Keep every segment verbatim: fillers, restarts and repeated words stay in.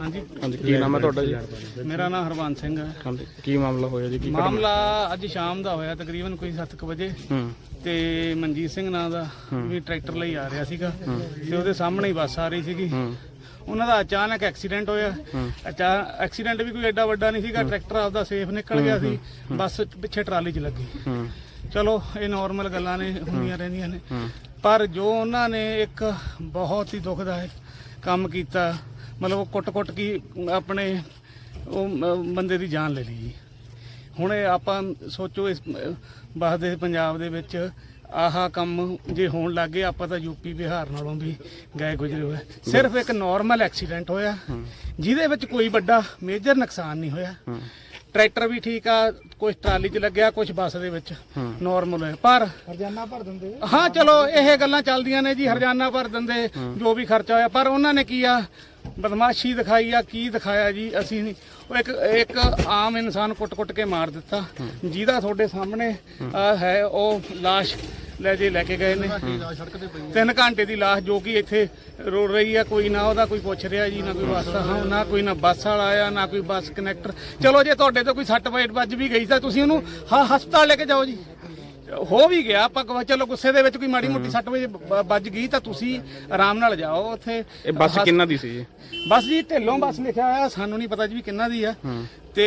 हाँ जी हाँ जी की नाम है ਤੁਹਾਡਾ ਜੀ? मेरा नाम हरबंस सिंह है। हाँ जी की मामला होया जी? की मामला ਅੱਜ ਸ਼ਾਮ ਦਾ ਹੋਇਆ ਤਕਰੀਬਨ ਕੋਈ ਸੱਤ ਕੁ ਵਜੇ ਹੂੰ ਤੇ ਮਨਜੀਤ ਸਿੰਘ ਨਾਂ ਦਾ ਵੀ ਟਰੈਕਟਰ ਲਈ ਆ ਰਿਹਾ ਸੀਗਾ ਤੇ ਉਹਦੇ ਸਾਹਮਣੇ ਹੀ ਬੱਸ ਆ ਰਹੀ ਸੀਗੀ। ਉਹਨਾਂ ਦਾ ਅਚਾਨਕ ਐਕਸੀਡੈਂਟ ਹੋਇਆ। ਅਚਾ ਐਕਸੀਡੈਂਟ ਵੀ ਕੋਈ ਐਡਾ ਵੱਡਾ ਨਹੀਂ ਸੀਗਾ, ਟਰੈਕਟਰ ਆਪਦਾ ਸੇਫ ਨਿਕਲ ਗਿਆ ਸੀ, ਬੱਸ ਪਿੱਛੇ ਟਰਾਲੀ 'ਚ ਲੱਗੀ। ਚਲੋ ਇਹ ਨਾਰਮਲ ਗੱਲਾਂ ਨੇ, ਹੁੰਦੀਆਂ ਰਹਿੰਦੀਆਂ ਨੇ, ਪਰ ਜੋ ਉਹਨਾਂ ਨੇ ਇੱਕ ਬਹੁਤ ਹੀ ਦੁਖਦਾਇਕ ਕੰਮ ਕੀਤਾ, ਮਤਲਬ ਉਹ ਕੁੱਟ-ਕੁੱਟ ਕੀ ਆਪਣੇ ਉਹ ਬੰਦੇ ਦੀ ਜਾਨ ਲੈ ਲਈ ਜੀ। ਹੁਣ ਇਹ ਆਪਾਂ ਸੋਚੋ ਇਸ ਵਸਦੇ ਪੰਜਾਬ ਦੇ ਵਿੱਚ ਆਹ ਕੰਮ ਜੇ ਹੋਣ ਲੱਗ ਗਏ, ਆਪਾਂ ਤਾਂ ਯੂਪੀ ਬਿਹਾਰ ਨਾਲੋਂ ਵੀ ਗਏ ਗੁਜ਼ਰੇ ਹੋਏ। ਸਿਰਫ ਇੱਕ ਨਾਰਮਲ ਐਕਸੀਡੈਂਟ ਹੋਇਆ ਜਿਹਦੇ ਵਿੱਚ ਕੋਈ ਵੱਡਾ ਮੇਜਰ ਨੁਕਸਾਨ ਨਹੀਂ ਹੋਇਆ। ਟਰੈਕਟਰ ਵੀ ਠੀਕ ਆ, ਕੁਝ ਟਰਾਲੀ 'ਚ ਲੱਗਿਆ, ਕੁਝ ਬੱਸ ਦੇ ਵਿੱਚ ਨਾਰਮਲ ਹੋਇਆ। ਪਰ ਹਰਜਾਨਾ ਭਰ ਦਿੰਦੇ, ਹਾਂ ਚਲੋ ਇਹ ਗੱਲਾਂ ਚੱਲਦੀਆਂ ਨੇ ਜੀ, ਹਰਜਾਨਾ ਭਰ ਦਿੰਦੇ ਜੋ ਵੀ ਖਰਚਾ ਹੋਇਆ। ਪਰ ਉਹਨਾਂ ਨੇ ਕੀ ਆ, ਬਦਮਾਸ਼ੀ ਦਿਖਾਈ ਆ, ਕੀ ਦਿਖਾਇਆ ਜੀ ਅਸੀਂ ਨਹੀਂ। ਉਹ ਇੱਕ ਇੱਕ ਆਮ ਇਨਸਾਨ ਕੁੱਟ-ਕੁੱਟ ਕੇ ਮਾਰ ਦਿੱਤਾ, ਜਿਹਦਾ ਤੁਹਾਡੇ ਸਾਹਮਣੇ ਹੈ ਉਹ ਲਾਸ਼ ਲੈ ਜੇ ਲੈ ਕੇ ਗਏ ਨੇ। ਤਿੰਨ ਘੰਟੇ ਦੀ ਲਾਸ਼ ਜੋ ਕਿ ਇੱਥੇ ਰੋੜ ਰਹੀ ਆ, ਕੋਈ ਨਾ ਉਹਦਾ ਕੋਈ ਪੁੱਛ ਰਿਹਾ ਜੀ, ਨਾ ਕੋਈ ਬੱਸ ਦਾ, ਹਾਂ ਨਾ ਕੋਈ ਨਾ ਬੱਸ ਵਾਲਾ ਆਇਆ, ਨਾ ਕੋਈ ਬੱਸ ਕਨੈਕਟਰ। ਚਲੋ ਜੇ ਤੁਹਾਡੇ ਤੋਂ ਕੋਈ ਸੱਟ ਵੱਜ ਵੀ ਗਈ ਤਾਂ ਤੁਸੀਂ ਉਹਨੂੰ ਹਾਂ ਹਸਪਤਾਲ ਲੈ ਕੇ ਜਾਓ ਜੀ। ਹੋ ਵੀ ਗਿਆ, ਆਪਾਂ ਚਲੋ ਗੁੱਸੇ ਦੇ ਵਿੱਚ ਕੋਈ ਮਾੜੀ ਮੋਟੀ ਸੱਟ ਵੱਜ ਗਈ ਤਾਂ ਤੁਸੀਂ ਆਰਾਮ ਨਾਲ ਜਾਓ ਉੱਥੇ। ਇਹ ਬੱਸ ਕਿੰਨਾ ਦੀ ਸੀ? ਬੱਸ ਜੀ ਢਿੱਲੋਂ ਬੱਸ ਲਿਖਿਆ ਹੋਇਆ, ਸਾਨੂੰ ਨਹੀਂ ਪਤਾ ਜੀ ਵੀ ਕਿੰਨਾ ਦੀ ਆ। ਤੇ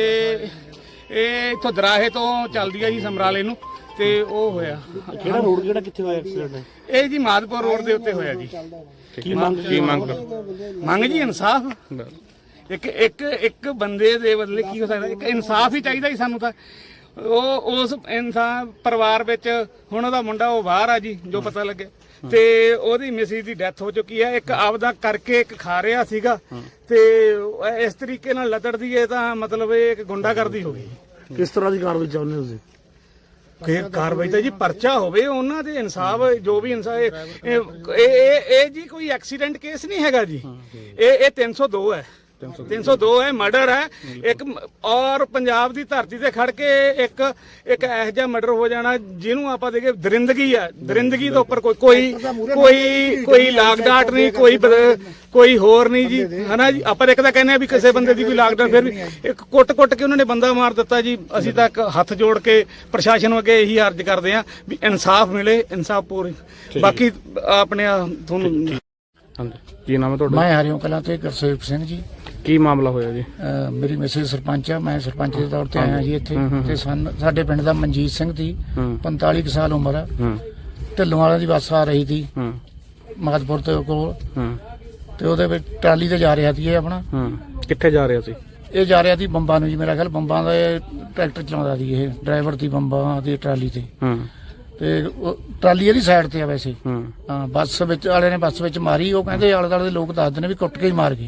ਇਹ ਇੱਥੋਂ ਦਰਾਹੇ ਤੋਂ ਚੱਲਦੀ ਆ ਜੀ ਸਮਰਾਲੇ ਨੂੰ, ਤੇ ਉਹ ਹੋਇਆ। ਕਿਹੜਾ ਰੋਡ, ਕਿਹੜਾ ਕਿੱਥੇ ਹੋਇਆ ਐਕਸੀਡੈਂਟ? ਇਹ ਜੀ ਮਾਦਪੁਰ ਰੋਡ ਦੇ ਉੱਤੇ ਹੋਇਆ ਜੀ। ਕੀ ਮੰਗ ਕੀ ਮੰਗ ਮੰਗ ਜੀ ਇਨਸਾਫ। ਇੱਕ ਇੱਕ ਇੱਕ ਬੰਦੇ ਦੇ ਬਦਲੇ ਕੀ ਹੋ ਸਕਦਾ? ਇੱਕ ਇਨਸਾਫ ਹੀ ਚਾਹੀਦਾ ਜੀ ਸਾਨੂੰ ਤਾਂ। ਉਹ ਉਸ ਇਨਸਾਨ ਪਰਿਵਾਰ ਵਿੱਚ ਹੁਣ ਉਹਦਾ ਮੁੰਡਾ ਉਹ ਬਾਹਰ ਆ ਜੀ, ਜੋ ਪਤਾ ਲੱਗੇ, ਤੇ ਉਹਦੀ ਮਿਸਿਸ ਦੀ ਡੈਥ ਹੋ ਚੁੱਕੀ ਹੈ। ਇੱਕ ਆਪਦਾ ਕਰਕੇ ਇੱਕ ਖਾ ਰਿਹਾ ਸੀਗਾ, ਤੇ ਇਸ ਤਰੀਕੇ ਨਾਲ ਲਤੜਦੀ ਹੈ ਤਾਂ ਮਤਲਬ ਇਹ ਇੱਕ ਗੁੰਡਾਗਰਦੀ ਹੋ ਗਈ। ਕਿਸ ਤਰ੍ਹਾਂ ਦੀ ਕਾਰਵਾਈ ਚਾਹੁੰਦੇ ਹੋ ਤੁਸੀਂ? ਕਿ ਕਾਰਵਾਈ ਤਾਂ ਜੀ ਪਰਚਾ ਹੋਵੇ, ਉਹਨਾਂ ਦੇ ਇਨਸਾਫ, ਜੋ ਵੀ ਇਨਸਾਫ। ਇਹ ਇਹ ਜੀ ਕੋਈ ਐਕਸੀਡੈਂਟ ਕੇਸ ਨਹੀਂ ਹੈਗਾ ਜੀ, ਇਹ ਇਹ ਤਿੰਨ ਸੌ ਦੋ ਹੈ, ਤਿੰਨ ਸੌ ਦੋ ਹੈ, ਮਰਡਰ ਹੈ ਇੱਕ। ਔਰ ਪੰਜਾਬ ਦੀ ਧਰਤੀ ਤੇ ਖੜ ਕੇ ਇੱਕ ਇੱਕ ਇਹੋ ਜਿਹਾ ਮਰਡਰ ਹੋ ਜਾਣਾ ਜਿਹਨੂੰ ਆਪਾਂ ਦੇਖੇ ਦਰਿੰਦਗੀ ਆ। ਦਰਿੰਦਗੀ ਦੇ ਉੱਪਰ ਕੋਈ ਕੋਈ ਕੋਈ ਕੋਈ ਲਾਗ ਡਾਟ ਨਹੀਂ, ਕੋਈ ਕੋਈ ਹੋਰ ਨਹੀਂ ਜੀ, ਹਨਾ ਜੀ। ਆਪਾਂ ਇੱਕ ਤਾਂ ਕਹਿੰਦੇ ਆ ਵੀ ਕਿਸੇ ਬੰਦੇ ਦੀ ਕੋਈ ਲਾਗ ਡਾਟ, ਫਿਰ ਵੀ ਇੱਕ ਕੁੱਟ ਕੁੱਟ ਕੇ ਉਹਨਾਂ ਨੇ ਬੰਦਾ ਮਾਰ ਦਿੱਤਾ ਜੀ। ਅਸੀਂ ਤਾਂ ਹੱਥ ਜੋੜ ਕੇ ਪ੍ਰਸ਼ਾਸਨ ਅੱਗੇ ਇਹੀ ਅਰਜ਼ ਕਰਦੇ ਆ ਵੀ ਇਨਸਾਫ ਮਿਲੇ, ਇਨਸਾਫ ਪੂਰੀ। ਬਾਕੀ ਆਪਣੇ ਤੁਹਾਨੂੰ ਕੀ ਨਾਮ ਹੈ ਤੁਹਾਡਾ? ਮੈਂ ਹਰਿਓਂ ਕਲਾਂ ਤੇ ਗੁਰਸੇਵਕ ਸਿੰਘ ਜੀ। ਕੀ ਮਾਮਲਾ ਹੋਇਆ ਜੀ? ਮੇਰੀ ਮੈਸੇਜ ਸਰਪੰਚ ਆ, ਮੈਂ ਸਰਪੰਚ ਦੇ ਤੌਰ ਤੇ ਆਇਆ ਜੀ ਇੱਥੇ। ਤੇ ਸਾਡੇ ਪਿੰਡ ਦਾ ਮਨਜੀਤ ਸਿੰਘ ਦੀ ਪੰਤਾਲੀ ਸਾਲ ਉਮਰ ਆ। ਢਿੱਲੋਂ ਵਾਲਿਆਂ ਦੀ ਬੱਸ ਆ ਰਹੀ ਸੀ ਮਾਦਪੁਰ ਦੇ ਕੋਲ, ਤੇ ਉਹਦੇ ਵਿੱਚ ਟਰਾਲੀ ਤੇ ਜਾ ਰਿਹਾ ਸੀ ਇਹ ਆਪਣਾ। ਕਿੱਥੇ ਜਾ ਰਿਹਾ ਸੀ ਇਹ? ਜਾ ਰਿਹਾ ਸੀ ਬੰਬਾਂ ਨੂੰ ਜੀ, ਮੇਰਾ ਖਿਆਲ ਬੰਬਾਂ ਦਾ ਟਰੈਕਟਰ ਚਲਾਉਂਦਾ ਸੀ ਇਹ, ਡਰਾਈਵਰ ਦੀ ਬੰਬਾਂ ਦੀ ਟਰਾਲੀ ਤੇ। ਤੇ ਟਰਾਲੀ ਇਹਦੀ ਸਾਈਡ ਤੇ ਆ ਵੈਸੇ। ਹਾਂ, ਬੱਸ ਵਿੱਚ ਵਾਲੇ ਨੇ ਬੱਸ ਵਿੱਚ ਮਾਰੀ। ਉਹ ਕਹਿੰਦੇ ਆਲੇ ਦੁਆਲੇ ਦੇ ਲੋਕ ਦੱਸਦੇ ਨੇ ਵੀ ਕੁੱਟ ਕੇ ਹੀ ਮਾਰ ਗਏ।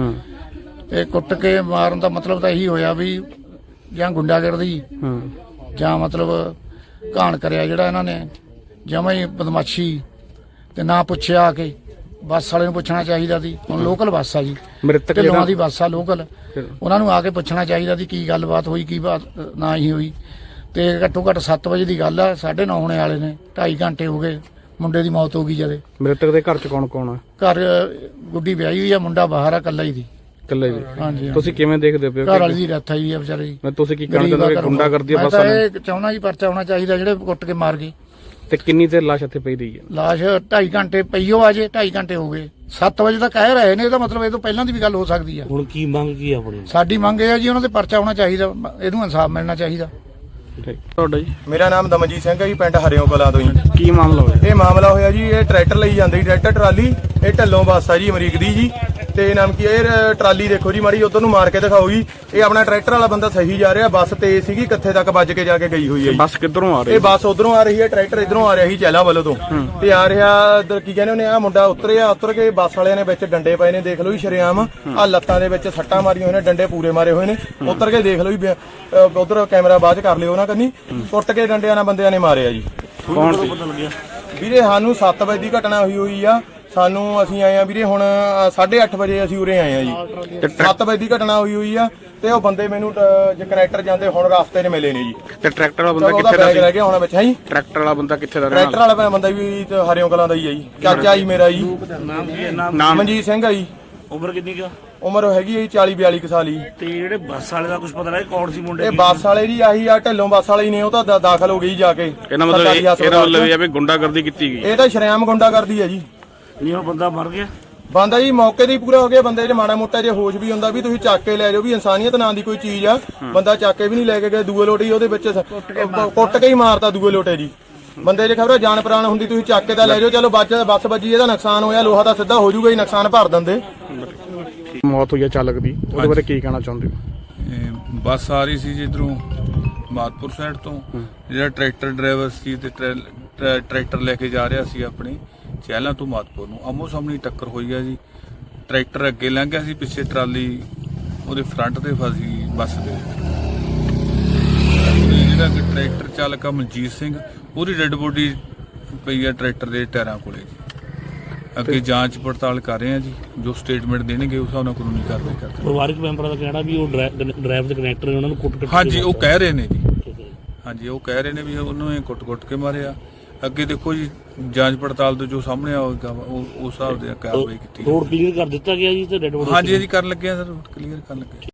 ਇਹ ਕੁੱਟ ਕੇ ਮਾਰਨ ਦਾ ਮਤਲਬ ਤਾਂ ਇਹੀ ਹੋਇਆ ਵੀ ਜਾਂ ਗੁੰਡਾਗਰਦੀ ਜਾਂ ਮਤਲਬ ਘਾਣ ਕਰਿਆ ਜਿਹੜਾ ਇਹਨਾਂ ਨੇ, ਜਮਾਂ ਹੀ ਬਦਮਾਸ਼ੀ। ਤੇ ਨਾ ਪੁੱਛਿਆ ਆ ਕੇ, ਬੱਸ ਵਾਲੇ ਨੂੰ ਪੁੱਛਣਾ ਚਾਹੀਦਾ ਸੀ। ਹੁਣ ਲੋਕਲ ਬੱਸ ਆ ਜੀ, ਢਿੱਲੋਂ ਦੀ ਬੱਸ ਆ ਲੋਕਲ, ਉਹਨਾਂ ਨੂੰ ਆ ਕੇ ਪੁੱਛਣਾ ਚਾਹੀਦਾ ਸੀ ਕੀ ਗੱਲਬਾਤ ਹੋਈ, ਕੀ ਬਾਤ ਨਾ ਹੀ ਹੋਈ। ਤੇ ਘੱਟੋ ਘੱਟ ਸੱਤ ਵਜੇ ਦੀ ਗੱਲ ਆ, ਸਾਢੇ ਨੌ ਹੋਣੇ ਵਾਲੇ ਨੇ, ਢਾਈ ਘੰਟੇ ਹੋ ਗਏ, ਮੁੰਡੇ ਦੀ ਮੌਤ ਹੋ ਗਈ ਜਦੇ। ਮ੍ਰਿਤਕ ਦੇ ਘਰ ਚ ਕੌਣ ਕੌਣ ਆ? ਘਰ ਗੁੱਡੀ ਵਿਆਹੀ ਹੋਈ ਆ, ਮੁੰਡਾ ਬਾਹਰ ਆ, ਕੱਲਾ ਹੀ ਦੀ। ਕੱਲਾ ਹੀ? ਹਾਂਜੀ। ਤੁਸੀਂ ਕਿਵੇਂ ਦੇਖਦੇ ਪਿਓ? ਘਰ ਵਾਲੀ ਦੀ ਡੈਥ ਆਈ ਆ ਵਿਚਾਰੇ ਦੀ। ਤੁਸੀਂ ਕੀ ਕਹਿਣਾ ਚਾਹੁੰਦੇ ਹੋ? ਗੁੰਡਾ ਕਰਦੀ ਆ ਬੱਸ? ਮੈਂ ਤਾਂ ਇਹ ਚਾਹੁੰਦਾ ਜੀ ਪਰਚਾ ਹੋਣਾ ਚਾਹੀਦਾ ਜਿਹੜੇ ਕੁੱਟ ਕੇ ਮਾਰ ਗਏ। ਤੇ ਕਿੰਨੀ ਦੇਰ ਲਾਸ਼ ਇੱਥੇ ਪਈ ਰਹੀ ਹੈ? ਲਾਸ਼ ਢਾਈ ਘੰਟੇ ਪਈਓ ਆ ਜੇ, ਢਾਈ ਘੰਟੇ ਹੋ ਗਏ, ਸੱਤ ਵਜੇ ਤੱਕ ਕਹਿ ਰਹੇ ਨੇ। ਇਹਦਾ ਮਤਲਬ ਇਹ ਤੋਂ ਪਹਿਲਾਂ ਦੀ ਵੀ ਗੱਲ ਹੋ ਸਕਦੀ ਆ। ਹੁਣ ਕੀ ਮੰਗ ਕੀ ਆਪਣੀ? ਸਾਡੀ ਮੰਗ ਇਹ ਆ ਜੀ ਉਹਨਾਂ ਤੇ ਪਰਚਾ ਹੋਣਾ ਚਾਹੀਦਾ, ਇਹਨੂੰ ਇਨਸਾਫ ਮਿਲਣਾ ਚਾਹੀਦਾ। ਤੁਹਾਡਾ ਜੀ? ਮੇਰਾ ਨਾਮ ਦਮਨਜੀਤ ਸਿੰਘ ਹੈ ਜੀ, ਪਿੰਡ ਹਰਿਓਂ ਕਲਾਂ ਤੋਂ ਜੀ। ਕੀ ਮਾਮਲਾ ਹੋਇਆ? ਇਹ ਮਾਮਲਾ ਹੋਇਆ ਜੀ, ਇਹ ਟਰੈਕਟਰ ਲਈ ਜਾਂਦੀ ਟਰੈਕਟਰ ਟਰਾਲੀ, ਇਹ ਢੱਲੋਂ ਬੱਸ ਆ ਜੀ ਅਮਰੀਕ ਦੀ ਜੀ। ਤੇ ਨਾਮ ਕੀ ਇਹ ਟਰਾਲੀ ਦੇਖੋ ਜੀ, ਮਾੜੀ ਉਧਰ ਨੂੰ ਮਾਰ ਕੇ ਦਿਖਾਓ ਜੀ। ਇਹ ਆਪਣਾ ਟਰੈਕਟਰ ਵਾਲਾ ਬੰਦਾ ਸਹੀ ਜਾ ਰਿਹਾ, ਬੱਸ ਤੇਜ਼ ਸੀਗੀ, ਕਿੱਥੇ ਤੱਕ ਵੱਜ ਕੇ ਜਾ ਕੇ ਗਈ ਹੋਈ ਹੈ ਜੀ। ਬੱਸ ਕਿੱਧਰੋਂ ਆ ਰਹੀ? ਇਹ ਬੱਸ ਉਧਰੋਂ ਆ ਰਹੀ ਹੈ, ਟਰੈਕਟਰ ਇਧਰੋਂ ਆ ਰਿਹਾ ਸੀ ਚਹਿਲਾਂ ਵੱਲੋਂ ਤੋਂ, ਤੇ ਆ ਰਿਹਾ ਇੱਧਰ ਕੀ ਕਹਿੰਦੇ ਉਹਨੇ, ਆ ਮੁੰਡਾ ਉਤਰਿਆ, ਉਤਰ ਕੇ ਬੱਸ ਵਾਲਿਆਂ ਨੇ ਵਿੱਚ ਡੰਡੇ ਪਏ ਨੇ, ਦੇਖ ਲਓ ਜੀ ਸ਼ਰੇਆਮ। ਆ ਲੱਤਾਂ ਦੇ ਵਿੱਚ ਸੱਟਾਂ ਮਾਰੀਆਂ ਹੋਏ ਨੇ, ਡੰਡੇ ਪੂਰੇ ਮਾਰੇ ਹੋਏ ਨੇ। ਉਤਰ ਕੇ ਦੇਖ ਲਓ ਜੀ, ਉਧਰ ਕੈਮਰਾ ਬਾਅਦ ਕਰ ਲਿਓ ਉਹਨਾਂ ਕੰਨੀ। ਕੁੱਟ ਕੇ ਡੰਡਿਆਂ ਨਾਲ ਬੰਦਿਆਂ ਨੇ ਮਾਰਿਆ ਜੀ। ਕੌਣ ਸੀ? ਵੀਰੇ ਸਾਨੂੰ ਸੱਤ ਵਜੇ ਦੀ ਘਟਨਾ ਹੋਈ ਹੋਈ ਆ। ਸਾਨੂੰ ਅਸੀਂ ਆਏ ਆ ਵੀਰੇ ਹੁਣ ਸਾਢੇ ਅੱਠ ਵਜੇ ਅਸੀਂ ਉਰੇ ਆਏ ਆ ਜੀ। ਸੱਤ ਵਜੇ ਦੀ ਘਟਨਾ ਹੋਈ ਹੋਈ ਆ। ਤੇ ਉਹ ਬੰਦੇ ਮੈਨੂੰ ਜੇ ਕਨੈਕਟਰ ਜਾਂਦੇ ਹੁਣ ਰਸਤੇ 'ਚ ਮਿਲੇ ਨੇ ਜੀ। ਤੇ ਟਰੈਕਟਰ ਵਾਲਾ ਬੰਦਾ ਕਿੱਥੇ ਦਾ ਸੀ? ਰਹਿ ਗਿਆ ਹੁਣ ਵਿੱਚ ਹੈ ਜੀ। ਟਰੈਕਟਰ ਵਾਲਾ ਬੰਦਾ ਕਿੱਥੇ ਦਾ? ਟਰੈਕਟਰ ਵਾਲਾ ਬੰਦਾ ਵੀ ਹਰਿਓਂ ਕਲਾਂ ਦਾ ਹੀ ਆ ਜੀ, ਚਾਚਾ ਜੀ ਮੇਰਾ ਜੀ। ਨਾਮ? ਮਨਜੀਤ ਸਿੰਘ ਆ ਜੀ। ਉਮਰ ਕਿੰਨੀ ਕਾ? ਉਮਰ ਹੈਗੀ ਹੈ ਜੀ ਚਾਲੀ ਬਿਆਲੀ ਕੁ ਸਾਲ ਜੀ। ਤੇ ਜਿਹੜੇ ਬੱਸ ਵਾਲੇ ਦਾ ਕੁਝ ਪਤਾ ਲੱਗਾ ਕੌਣ ਸੀ ਮੁੰਡੇ ਇਹ ਬੱਸ ਵਾਲੇ ਜੀ ਆਹੀ ਆ ਢਿੱਲੋਂ ਬੱਸ ਵਾਲੇ ਹੀ ਨੇ, ਉਹ ਤਾਂ ਦਾ- ਦਾਖਲ ਹੋ ਗਈ ਜਾ ਕੇ ਇਹਨਾਂ ਮਤਲਬ ਸਰਕਾਰੀ ਇਹ- ਇਹਦਾ ਹਸਪਤਾਲ ਮਤਲਬ ਇਹ ਚ। ਆ ਵੀ ਗੁੰਡਾਗਰਦੀ ਕੀਤੀ ਗਈ। ਇਹ ਤਾਂ ਸ਼ਰੇਆਮ ਗੁੰਡਾ ਕਰਦੀ ਹੈ ਜੀ। ਨਹੀਂ ਉਹ ਬੰਦਾ ਮਰ ਗਿਆ? ਬੰਦਾ ਜੀ ਮੌਕੇ ਤੇ ਹੀ ਪੂਰਾ ਹੋ ਗਿਆ। ਬੰਦੇ 'ਚ ਮਾੜਾ ਮੋਟਾ ਜੇ ਹੋਸ਼ ਵੀ ਹੁੰਦਾ ਵੀ ਤੁਸੀਂ ਚੱਕ ਕੇ ਲੈ ਜਾਓ, ਵੀ ਇਨਸਾਨੀਅਤ ਨਾਂ ਦੀ ਕੋਈ ਚੀਜ਼ ਆ। ਬੰਦਾ ਚੱਕ ਕੇ ਵੀ ਨਹੀਂ ਲੈ ਕੇ ਗਏ, ਦੂਏ ਲੋਟੇ ਹੀ ਉਹਦੇ ਵਿੱਚ ਸ- ਕੁੱਟ ਕੇ ਹੀ ਮਾਰਤਾ ਦੂਏ ਲੋਟੇ ਜੀ। ਬੰਦੇ 'ਚ ਖਬਰ ਜਾਨ ਪ੍ਰਾਣ ਹੁੰਦੀ, ਤੁਸੀਂ ਚੱਕ ਕੇ ਤਾਂ ਲੈ ਜਾਓ। ਚਲੋ ਬੱਚ ਬੱਸ ਵੱਜੀ, ਇਹਦਾ ਨੁਕਸਾਨ ਹੋਇਆ, ਲੋਹਾ ਤਾਂ ਸਿੱਧਾ ਹੋ ਜਾਊਗਾ ਹੀ, ਨੁਕਸਾਨ ਭਰ ਦਿੰਦੇ। ਮੌਤ ਹੋਈ ਆ ਚਾਲਕ ਦੀ, ਉਹਦੇ ਬਾਰੇ ਕੀ ਕਹਿਣਾ ਚਾਹੁੰਦੇ ਹੋ? ਇਹ ਬੱਸ ਆ ਰਹੀ ਸੀ ਜਿੱਧਰੋਂ ਮਾਦਪੁਰ ਸਾਈਡ ਤੋਂ, ਜਿਹੜਾ ਟਰੈਕਟਰ ਡਰਾਈਵਰ ਸੀ ਤੇ ਟਰੈ- ਟਰੈ- ਟਰੈਕਟਰ ਲੈ ਕੇ ਜਾ ਰਿਹਾ ਸੀ ਆਪਣੇ ਚਹਿਲਾਂ ਤੋਂ ਮਾਦਪੁਰ ਨੂੰ, ਆਮੋ ਸਾਹਮਣੇ ਟੱਕਰ ਹੋਈ ਆ ਜੀ। ਟਰੈਕਟਰ ਅੱਗੇ ਲੰਘ ਗਿਆ ਸੀ, ਪਿੱਛੇ ਟਰਾਲੀ ਉਹਦੇ ਫਰੰਟ ਤੇ ਫਸੀ ਬੱਸ ਦੇ। ਉਹਦੇ ਜਿਹੜਾ ਕਿ ਟਰੈਕਟਰ ਚਾਲਕ ਆ ਮਨਜੀਤ ਸਿੰਘ, ਉਹਦੀ ਡੈੱਡ ਬੋਡੀ ਪਈ ਆ ਟਰੈਕਟਰ ਦੇ ਟਾਇਰਾਂ ਕੋਲੇ ਜੀ। ਅੱਗੇ ਜਾਂਚ ਪੜਤਾਲ ਕਰ ਰਹੇ ਆ ਜੀ, ਜੋ ਸਟੇਟਮੈਂਟ ਦੇਣਗੇ ਉਸ ਹਿਸਾਬ ਨਾਲ ਕਾਨੂੰਨੀ ਕਾਰਵਾਈ ਕਰਦੇ। ਪਰਿਵਾਰਕ ਮੈਂਬਰਾਂ ਦਾ ਕਹਿਣਾ ਵੀ ਉਹ ਡਰਾਈਵਰ ਤੇ ਕਨੈਕਟਰ ਨੇ ਉਹਨਾਂ ਨੂੰ ਕੁੱਟ-ਕੁੱਟ ਕੇ ਹਾਂਜੀ ਉਹ ਕਹਿ ਰਹੇ ਨੇ ਜੀ, ਠੀਕ ਹੈ। ਹਾਂਜੀ ਉਹ ਕਹਿ ਰਹੇ ਨੇ ਵੀ ਉਹਨੂੰ ਇਹ ਕੁੱਟ-ਕੁੱਟ ਕੇ ਮਾਰਿਆ। ਅੱਗੇ ਦੇਖੋ ਜੀ ਜਾਂਚ ਪੜਤਾਲ ਤੋਂ ਜੋ ਸਾਹਮਣੇ ਆਵੇਗਾ ਉਹ ਉਸ ਹਿਸਾਬ ਦੇ ਕਾਰਵਾਈ ਕੀਤੀ ਰੋਡ ਕਲੀਅਰ ਕਰ ਦਿੱਤਾ ਗਿਆ ਜੀ ਤੇ ਡੈਡ ਬੋਡੀ ਹਾਂਜੀ ਜੀ ਕਰਨ ਲੱਗੇ ਆ ਸਰ, ਕਲੀਅਰ ਕਰਨ ਲੱਗੇ।